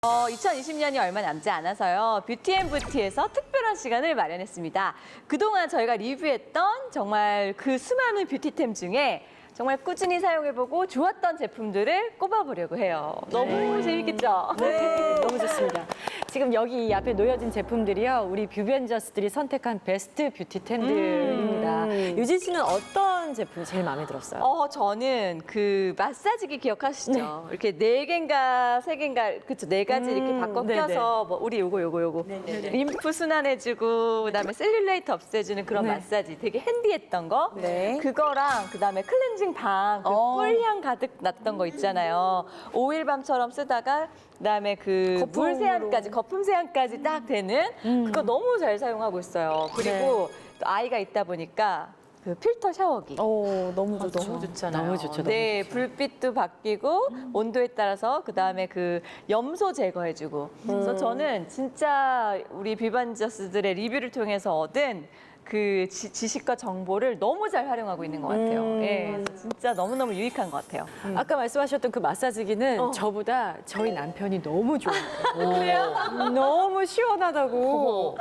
2020년이 얼마 남지 않아서요. 뷰티앤부티에서 특별한 시간을 마련했습니다. 그동안 저희가 리뷰했던 정말 그 수많은 뷰티템 중에 정말 꾸준히 사용해보고 좋았던 제품들을 꼽아보려고 해요. 너무 재밌겠죠? 네, 너무 좋습니다. 지금 여기 이 앞에 놓여진 제품들이요, 우리 뷰벤저스들이 선택한 베스트 뷰티템들입니다. 유진 씨는 어떤 제품이 제일 마음에 들었어요? 저는 그 마사지기 기억하시죠? 이렇게 4개인가 3개인가 그쵸 4가지 이렇게 바꿔 네네. 껴서 뭐 우리 요거 림프 순환해주고 그다음에 셀룰라이트 없애주는 그런 네. 마사지 되게 핸디했던 거 네. 그거랑 그다음에 클렌징 밤, 그 꿀향 가득 났던 거 있잖아요. 오일밤처럼 쓰다가 그다음에 그 물 세안까지 거품 세안까지 딱 되는 그거 너무 잘 사용하고 있어요. 그리고 또 아이가 있다 보니까 그 필터 샤워기. 너무 좋죠. 너무 좋잖아요. 너무 좋죠, 너무 네, 불빛도 바뀌고 온도에 따라서 그다음에 그 염소 제거해주고. 그래서 저는 진짜 우리 뷰반저스들의 리뷰를 통해서 얻은 그 지식과 정보를 너무 잘 활용하고 있는 것 같아요. 예, 그래서 진짜 너무너무 유익한 것 같아요. 아까 말씀하셨던 그 마사지기는 저보다 저희 남편이 너무 좋아해요. 그래요? 너무 시원하다고.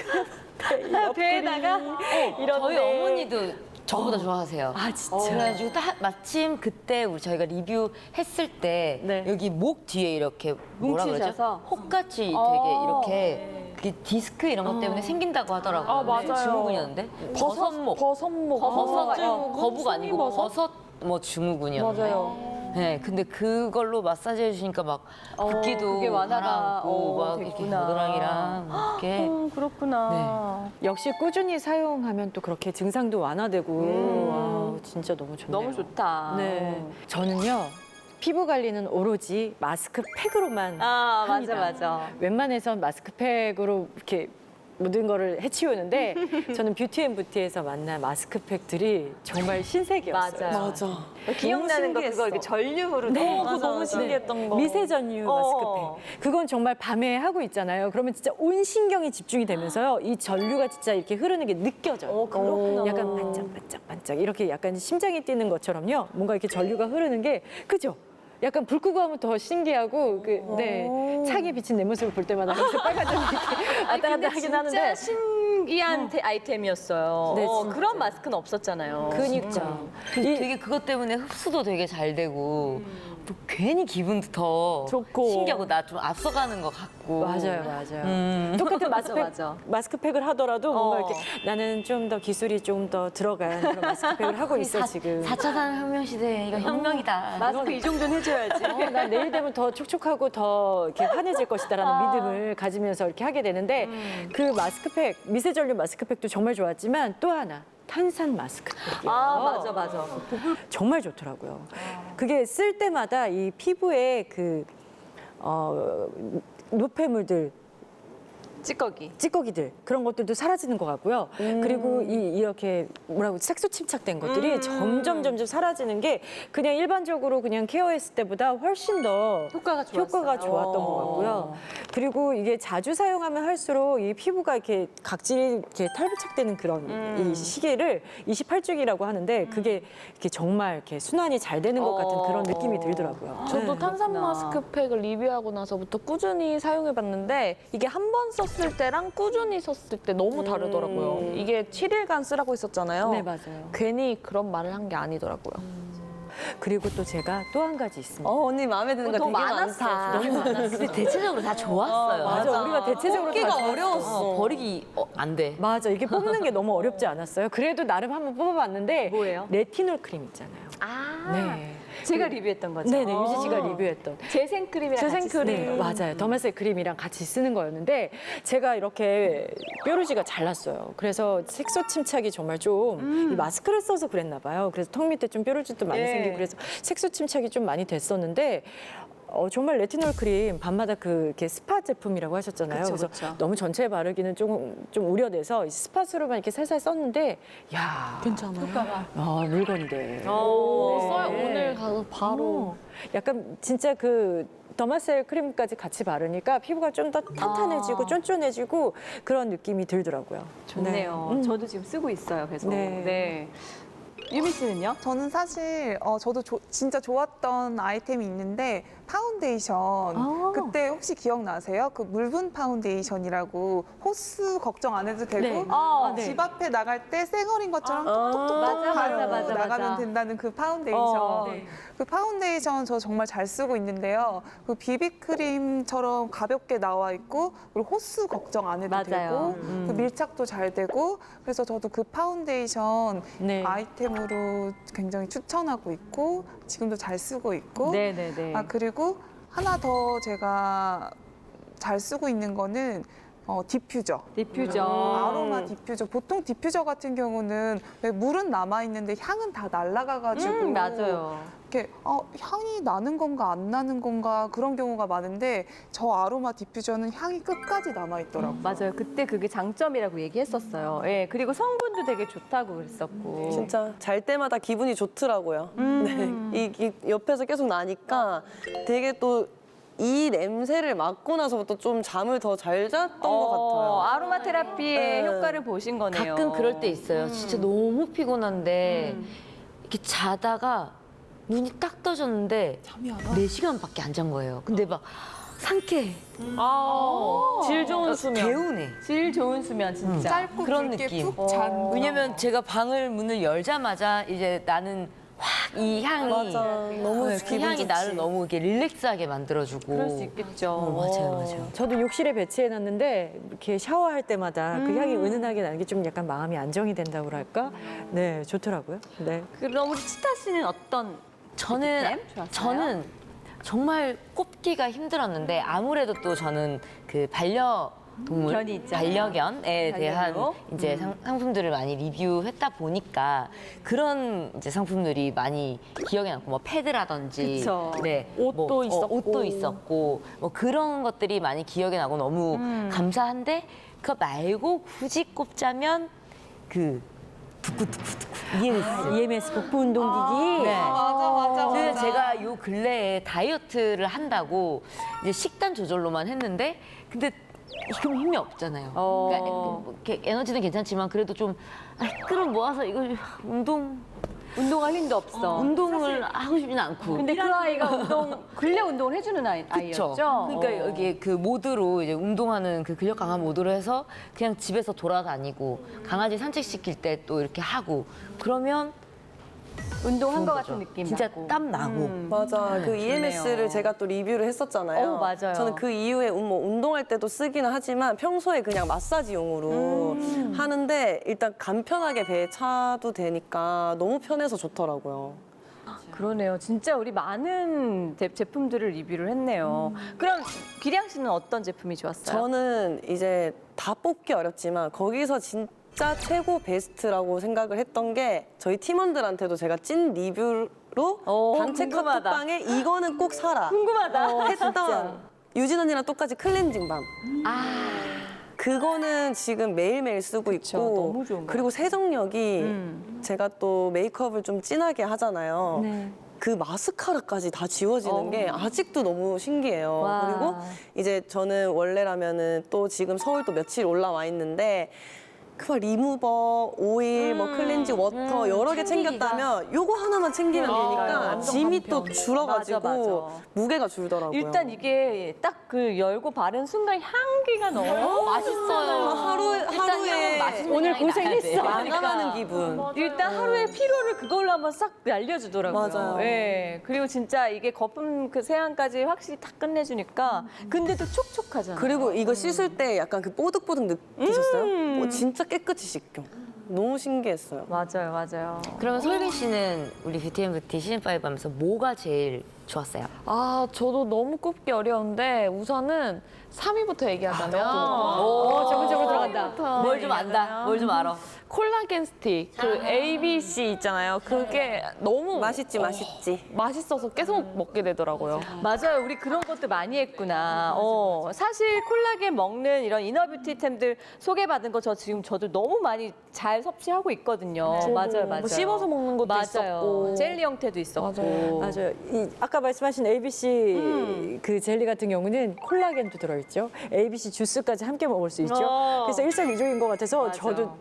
배에다가 저희 어머니도 저보다 좋아하세요. 아, 진짜? 그래가지고 마침 그때 저희가 리뷰했을 때 네. 여기 목 뒤에 이렇게 뭐라 그러죠? 뭉치셔서? 혹같이 되게 이렇게 그게 디스크 이런 것 때문에 생긴다고 하더라고요. 아, 맞아요. 증후군이었는데 버섯목. 버섯목. 거북 아니고 버섯 뭐 증후군이었는데. 맞아요. 네, 근데 그걸로 마사지 해주시니까 막 붓기도 그게 완화가 가라앉고 막 이렇게 됐구나. 겨드랑이랑 이렇게 그렇구나. 역시 꾸준히 사용하면 또 그렇게 증상도 완화되고 와, 진짜 너무 좋네요. 너무 좋다. 네, 저는요 피부 관리는 오로지 마스크팩으로만 아, 합니다. 맞아. 웬만해선 마스크팩으로 이렇게 모든 거를 해치우는데 저는 뷰티앤부티에서 만난 마스크팩들이 정말 신세계였어요. 맞아. 기억나는 거 그거 이렇게 전류로 그거 너무 신기했던 거. 미세전류 마스크팩. 그건 정말 밤에 하고 있잖아요. 그러면 진짜 온 신경이 집중이 되면서요. 이 전류가 진짜 이렇게 흐르는 게 느껴져요. 그렇구나. 약간 반짝반짝 이렇게 약간 심장이 뛰는 것처럼요. 뭔가 이렇게 전류가 흐르는 게 그죠? 약간 불 끄고 하면 더 신기하고 네 창에 비친 내 모습을 볼 때마다 항상 빨간색이 이렇게 왔다 갔다 하긴 하는데 진짜 신기한 아이템이었어요. 네, 진짜. 그런 마스크는 없었잖아요. 그니까 되게 그것 때문에 흡수도 되게 잘 되고 또 괜히 기분도 더 좋고. 신기하고 나 좀 앞서가는 것 같고 맞아요. 똑같은 맞아. 마스크팩을 하더라도 뭔가 이렇게 나는 좀 더 기술이 좀 더 들어간 그런 마스크팩을 하고 있어 지금. 4차 산업혁명 시대에 이거 혁명이다. 마스크 이 정도는 해줘야지. 난 내일 되면 더 촉촉하고 더 이렇게 환해질 것이다라는 믿음을 가지면서 이렇게 하게 되는데 그 마스크팩 미세전류 마스크팩도 정말 좋았지만 또 하나. 탄산 마스크팩이요. 맞아. 정말 좋더라고요. 그게 쓸 때마다 이 피부에 그 노폐물들 찌꺼기들 그런 것들도 사라지는 것 같고요. 그리고 이렇게 뭐라고 색소 침착된 것들이 점점 사라지는 게 그냥 일반적으로 그냥 케어했을 때보다 훨씬 더 효과가 좋았던 것 같고요. 그리고 이게 자주 사용하면 할수록 이 피부가 이렇게 각질이 이렇게 탈부착되는 그런 이 시기를 28주기라고 하는데 그게 이렇게 정말 이렇게 순환이 잘 되는 것 같은 그런 느낌이 들더라고요. 저도 탄산 그렇구나. 마스크팩을 리뷰하고 나서부터 꾸준히 사용해봤는데 이게 한 번 썼을 때랑 꾸준히 썼을 때 너무 다르더라고요. 이게 7일간 쓰라고 했었잖아요. 네, 맞아요. 괜히 그런 말을 한 게 아니더라고요. 그리고 또 제가 또 한 가지 있습니다. 언니 마음에 드는 거 더 되게 많았어. 많다. 너무 많았어. 근데 대체적으로 다 좋았어요. 맞아. 우리가 대체적으로 다 좋았어. 어려웠어. 버리기 안 돼. 맞아. 이게 뽑는 게 너무 어렵지 않았어요? 그래도 나름 한번 뽑아봤는데 뭐예요? 레티놀 크림 있잖아요. 네. 제가 리뷰했던 거죠. 네네. 유지 씨가 리뷰했던. 재생크림이랑 같이 재생크림. 쓰는 거. 맞아요. 더마셀 크림이랑 같이 쓰는 거였는데 제가 이렇게 뾰루지가 잘 났어요. 그래서 색소 침착이 정말 좀 이 마스크를 써서 그랬나 봐요. 그래서 턱 밑에 좀 뾰루지도 많이 예. 생기고 그래서 색소 침착이 좀 많이 됐었는데 정말 레티놀 크림 밤마다 그 이렇게 스파 제품이라고 하셨잖아요. 그쵸, 그래서 그쵸. 너무 전체에 바르기는 좀 우려돼서 스팟으로만 이렇게 살살 썼는데 야 괜찮아요? 물건인데. 써요. 오늘 가서 바로. 약간 진짜 그 더마셀 크림까지 같이 바르니까 피부가 좀 더 탄탄해지고 쫀쫀해지고 그런 느낌이 들더라고요. 좋네요. 네. 저도 지금 쓰고 있어요. 계속. 네. 네. 유미 씨는요? 저는 사실 저도 진짜 좋았던 아이템이 있는데 파운데이션. 그때 혹시 기억나세요? 그 물분 파운데이션이라고 호스 걱정 안 해도 되고 네. 집 앞에 나갈 때 쌩얼인 것처럼 톡톡톡 맞아, 바르고 맞아. 나가면 된다는 그 파운데이션. 네. 그 파운데이션 저 정말 잘 쓰고 있는데요. 그 비비크림처럼 가볍게 나와 있고 그리고 호스 걱정 안 해도 맞아요. 되고 그 밀착도 잘 되고 그래서 저도 그 파운데이션 네. 아이템으로 굉장히 추천하고 있고 지금도 잘 쓰고 있고 네네네. 그리고 하나 더 제가 잘 쓰고 있는 거는 디퓨저. 디퓨저. 아로마 디퓨저. 보통 디퓨저 같은 경우는 왜 물은 남아 있는데 향은 다 날아가가지고 맞아요. 이렇게 향이 나는 건가 안 나는 건가 그런 경우가 많은데 저 아로마 디퓨저는 향이 끝까지 남아 있더라고요. 맞아요. 그때 그게 장점이라고 얘기했었어요. 예, 그리고 성분도 되게 좋다고 그랬었고. 진짜 잘 때마다 기분이 좋더라고요. 네. 이 옆에서 계속 나니까 되게 또 이 냄새를 맡고 나서부터 좀 잠을 더 잘 잤던 것 같아요. 아로마 테라피의 네. 효과를 보신 거네요. 가끔 그럴 때 있어요. 진짜 너무 피곤한데 이렇게 자다가 눈이 딱 떠졌는데 4시간밖에 안 잔 거예요. 근데 막 상쾌해. 질 좋은 수면. 개운해. 질 좋은 수면 진짜. 짧고 그런 굵게 느낌. 푹 잔. 왜냐면 제가 방을 문을 열자마자 이제 나는 확 이 향이 맞아. 너무 그 기분 향이 좋지. 나를 너무 이렇게 릴렉스하게 만들어주고. 그럴 수 있겠죠. 맞아요. 저도 욕실에 배치해놨는데 이렇게 샤워할 때마다 그 향이 은은하게 나는 게 좀 약간 마음이 안정이 된다고 할까? 네, 좋더라고요. 네. 그럼 우리 치타 씨는 어떤 저는 좋았어요? 저는 정말 꼽기가 힘들었는데 아무래도 또 저는 그 반려동물, 견이 있잖아요. 반려견에 대한 반려묘. 이제 상품들을 많이 리뷰했다 보니까 그런 이제 상품들이 많이 기억에 남고 뭐 패드라든지, 그쵸. 네, 옷도 있었고. 옷도 있었고 뭐 그런 것들이 많이 기억에 나고 너무 감사한데 그거 말고 굳이 꼽자면 그 EMS. EMS 복부 운동기기. 네. 맞아. 그래서 제가 요 근래에 다이어트를 한다고 이제 식단 조절로만 했는데 근데 그럼 힘이 없잖아요. 그러니까 이렇게 에너지는 괜찮지만 그래도 좀 끌어 모아서 이거 운동할 힘도 없어. 운동을 하고 싶지는 않고. 근데 그 아이가 근래 운동을 해주는 아이였죠. 그쵸. 그러니까 여기 그 모드로 이제 운동하는 그 근력 강화 모드로 해서 그냥 집에서 돌아다니고 강아지 산책시킬 때 또 이렇게 하고 그러면 운동한 것 거죠. 같은 느낌 진짜 나고. 땀 나고. 맞아. 그 EMS를 좋네요. 제가 또 리뷰를 했었잖아요. 맞아요. 저는 그 이후에 뭐 운동할 때도 쓰기는 하지만 평소에 그냥 마사지용으로 하는데 일단 간편하게 배에 차도 되니까 너무 편해서 좋더라고요. 그러네요. 진짜 우리 많은 제품들을 리뷰를 했네요. 그럼 기량 씨는 어떤 제품이 좋았어요? 저는 이제 다 뽑기 어렵지만 거기서 진짜 최고 베스트라고 생각을 했던 게 저희 팀원들한테도 제가 찐 리뷰로 단체 궁금하다. 카톡방에 이거는 꼭 사라 궁금하다. 했던 유진 언니랑 똑같이 클렌징 밤. 그거는 지금 매일매일 쓰고 있고 너무 좋은 것 그리고 세정력이 제가 또 메이크업을 좀 진하게 하잖아요. 네. 그 마스카라까지 다 지워지는 게 아직도 너무 신기해요. 와. 그리고 이제 저는 원래라면은 또 지금 서울 또 며칠 올라와 있는데 그막 리무버, 오일, 뭐 클렌징, 워터 여러 개 챙겼다면 요거 하나만 챙기면 되니까 완전 짐이 간편. 또 줄어가지고 맞아. 무게가 줄더라고요. 일단 이게 딱 그 열고 바른 순간 향기가 너무 맛있어요. 하루에 맛있는 오늘 향이 나야 고생했어. 돼요. 나가는 기분. 일단 하루의 피로를 그걸로 한번 싹 날려주더라고요. 맞아요. 예. 그리고 진짜 이게 거품 그 세안까지 확실히 딱 끝내주니까 근데도 촉촉하잖아요. 그리고 이거 씻을 때 약간 그 뽀득뽀득 느끼셨어요? 진짜 깨끗이 씻겨. 너무 신기했어요. 맞아요. 그러면 솔빈 씨는 우리 뷰티 앤 뷰티 시즌5 하면서 뭐가 제일 좋았어요? 저도 너무 꼽기 어려운데 우선은 3위부터 얘기하자면 저거 들어간다. 뭘 좀 안다. 뭘 좀 알아. 콜라겐 스틱, 그 ABC 있잖아요. 그게 너무 맛있지, 맛있지. 맛있어서 계속 먹게 되더라고요. 맞아요. 우리 그런 것도 많이 했구나. 사실 콜라겐 먹는 이런 이너뷰티템들 소개받은 거 저도 너무 많이 잘 섭취하고 있거든요. 맞아요. 뭐 씹어서 먹는 것도 맞아요. 있었고. 젤리 형태도 있었고. 맞아요. 아까 말씀하신 ABC 그 젤리 같은 경우는 콜라겐도 들어있죠. ABC 주스까지 함께 먹을 수 있죠. 그래서 일석이조인 것 같아서 맞아. 저도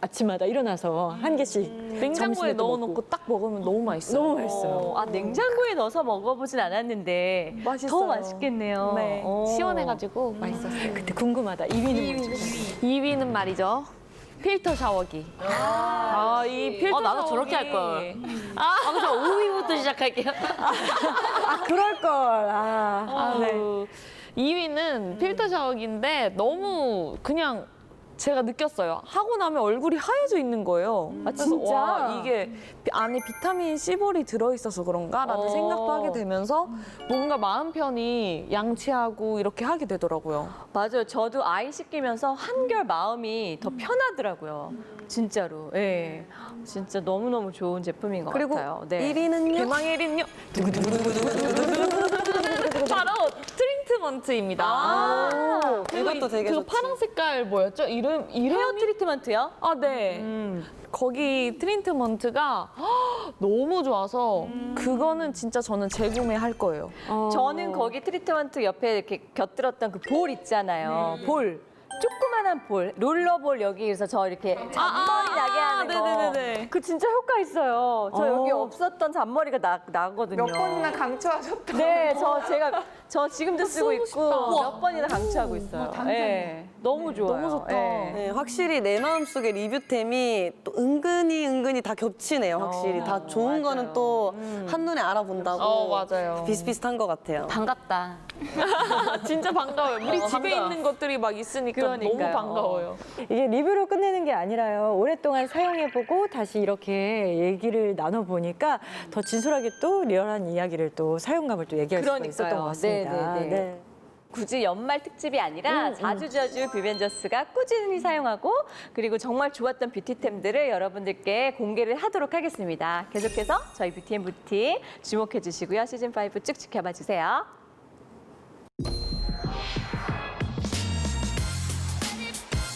아침마다 일어나서 한 개씩 냉장고에 점심에 또 넣어놓고 먹고. 딱 먹으면 너무 맛있어요. 너무 맛있어요. 아, 냉장고에 넣어서 먹어보진 않았는데 맛있어요. 더 맛있겠네요. 네, 오. 시원해가지고 맛있었어요. 그때 궁금하다. 2위는 뭐죠? 2위는 말이죠. 필터 샤워기. 이 필터 나도 샤워기. 저렇게 할 걸. 저 5위부터 시작할게요. 그럴 걸. 네. 2위는 필터 샤워기인데 너무 그냥 제가 느꼈어요. 하고 나면 얼굴이 하얘져 있는 거예요. 그래서 진짜? 와, 이게 안에 비타민 C볼이 들어있어서 그런가라는 생각도 하게 되면서 뭔가 마음 편히 양치하고 이렇게 하게 되더라고요. 맞아요. 저도 아이 씻기면서 한결 마음이 더 편하더라고요. 진짜로. 예. 진짜 너무너무 좋은 제품인 것 그리고 같아요. 네. 1위는요? 대망의 1위는요? 바로 트리트먼트입니다. 이것도 되게 그거 좋지. 파란 색깔 뭐였죠? 이름이? 헤어 트리트먼트요? 아, 네. 거기 트리트먼트가 너무 좋아서 그거는 진짜 저는 재구매할 거예요. 저는 거기 트리트먼트 옆에 이렇게 곁들었던 그 볼 있잖아요. 볼. 조그만한 볼, 롤러볼 여기에서 저 이렇게 잔머리 나게 하는 거. 네네네네. 그 진짜 효과 있어요. 저 여기 없었던 잔머리가 나거든요. 몇 번이나 강추하셨다. 네, 저 지금도 쓰고 있고 싶다. 몇 번이나 강추하고 있어요. 네, 너무 좋아요. 너무 좋다. 네, 확실히 내 마음속에 리뷰템이 또 은근히 다 겹치네요. 확실히 다 좋은 거는 또 한눈에 알아본다고 맞아요. 비슷비슷한 것 같아요. 반갑다. 진짜 반가워요. 우리 집에 반가워. 있는 것들이 막 있으니까 그러니까요. 너무 반가워요. 이게 리뷰로 끝내는 게 아니라요. 오랫동안 사용해보고 다시 이렇게 얘기를 나눠보니까 더 진솔하게 또 리얼한 이야기를 또 사용감을 또 얘기할 수가 있었던 것 같습니다. 네, 네, 네. 굳이 연말 특집이 아니라 자주자주 뷰벤저스가 꾸준히 사용하고 그리고 정말 좋았던 뷰티템들을 여러분들께 공개를 하도록 하겠습니다. 계속해서 저희 뷰티앤뷰티 주목해 주시고요. 시즌5 쭉 지켜봐 주세요.